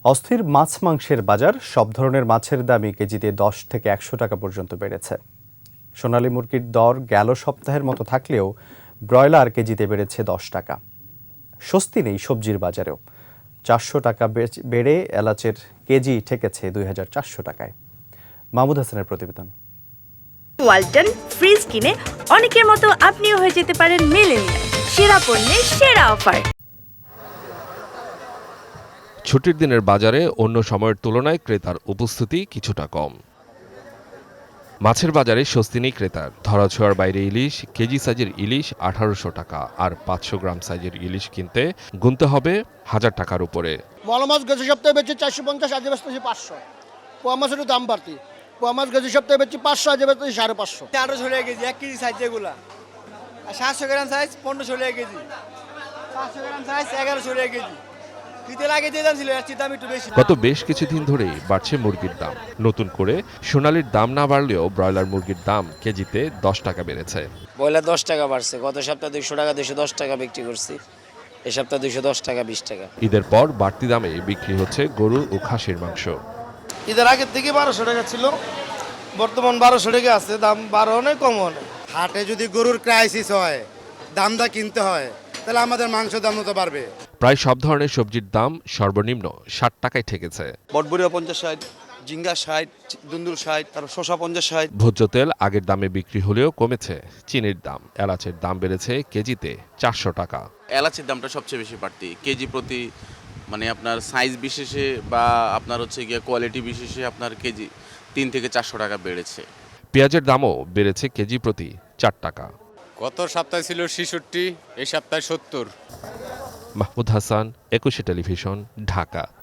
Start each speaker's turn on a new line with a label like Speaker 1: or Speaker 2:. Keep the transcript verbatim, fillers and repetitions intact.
Speaker 1: অস্থির মাছ মাংসের বাজার, সব ধরনের মাছের দামই কেজিতে দশ থেকে একশো টাকা পর্যন্ত বেড়েছে। সোনালী মুরগির দর গেল সপ্তাহের মতো থাকলেও ব্রয়লার কেজিতে বেড়েছে দশ টাকা। স্বস্তি নেই সবজির বাজারেও, চারশো টাকা বেড়ে এলাচের কেজি ঠেকেছে দুই হাজার চারশো টাকায়। মাহমুদ হাসানের প্রতিবেদন।
Speaker 2: ওয়ালটন ফ্রিজ কিনে অনেকের মতো আপনিও হয়ে যেতে পারেন মিলেনিয়াল, সেরা পণ্যের সেরা অফার।
Speaker 3: ছুটির দিনের বাজারে অন্য সময়ের তুলনায় ক্রেতার উপস্থিতি কিছুটা কম। মাছের বাজারে স্বস্তি নেই ক্রেতার। ধরাছোঁয়ার বাইরে ইলিশ, কেজি সাইজের ইলিশ আঠারোশো টাকা, আর পাঁচশো গ্রাম সাইজের ইলিশ কিনতে গুনতে হবে হাজার টাকার উপরে।
Speaker 4: মলা মাছ গেছে সপ্তাহে বেচে চারশো পঞ্চাশ, আজ বেচতেছি পাঁচশো। পোয়া মাছেরও দাম বাড়তি। পোয়া মাছ গেছে সপ্তাহে বেচে পাঁচশো, আজ বেচতেছি সাড়ে পাঁচশো।
Speaker 5: আঠারোশো টাকা কেজি, এক কেজি সাইজ যেগুলা, আর সাতশো গ্রাম সাইজ পনেরোশো টাকা কেজি, পাঁচশো গ্রাম সাইজ এগারোশো টাকা কেজি।
Speaker 3: গত বেশ কিছুদিন ধরেই বাড়ছে মুরগির দাম। নতুন করে সোনালীর দাম না বাড়লেও ব্রয়লার মুরগির দাম কেজিতে দশ টাকা বেড়েছে।
Speaker 6: ব্রয়লার দশ টাকা বাড়ছে, গত সপ্তাহে দুইশো টাকা দুইশো দশ টাকা বিক্রি করছি, এ সপ্তাহে দুইশো দশ টাকা বিশ টাকা।
Speaker 3: ঈদের পর বাড়তি দামে বিক্রি হচ্ছে গরু ও খাসির মাংস।
Speaker 5: ঈদের আগের থেকে বারোশো টাকা ছিল, বর্তমান বারোশো টাকা আছে, দাম বারো অনেক কম অনেক।
Speaker 7: হাটে যদি গরুর ক্রাইসিস হয়, দামটা কিনতে হয়, তাহলে আমাদের মাংস দাম তো বাড়বে।
Speaker 3: প্রায় সব ধরনের সবজির দাম সর্বনিম্ন ষাট টাকায় ঠেকেছে।
Speaker 8: বটবড়িয়া পঞ্চাশ ষাট, ঝিঙ্গা ষাট, দুন্দুল ষাট, তারপর শসা পঞ্চাশ ষাট।
Speaker 3: ভোজ্য তেল আগের দামে বিক্রি হলেও কমেছে চিনির দাম। এলাচের দাম বেড়েছে কেজিতে চারশো টাকা।
Speaker 9: এলাচের দামটা সবচেয়ে বেশি বাড়তি, কেজি প্রতি মানে আপনার সাইজ বিশেষে বা আপনার হচ্ছে গিয়ে কোয়ালিটি বিশেষে আপনার কেজি তিন থেকে চারশো টাকা বেড়েছে।
Speaker 3: পেঁয়াজের দামও বেড়েছে কেজি প্রতি চার টাকা।
Speaker 10: গত সপ্তাহে ছিল ছেষট্টি, এই সপ্তাহে সত্তর।
Speaker 3: মাহমুদ হাসান, একুশে টেলিভিশন, ঢাকা।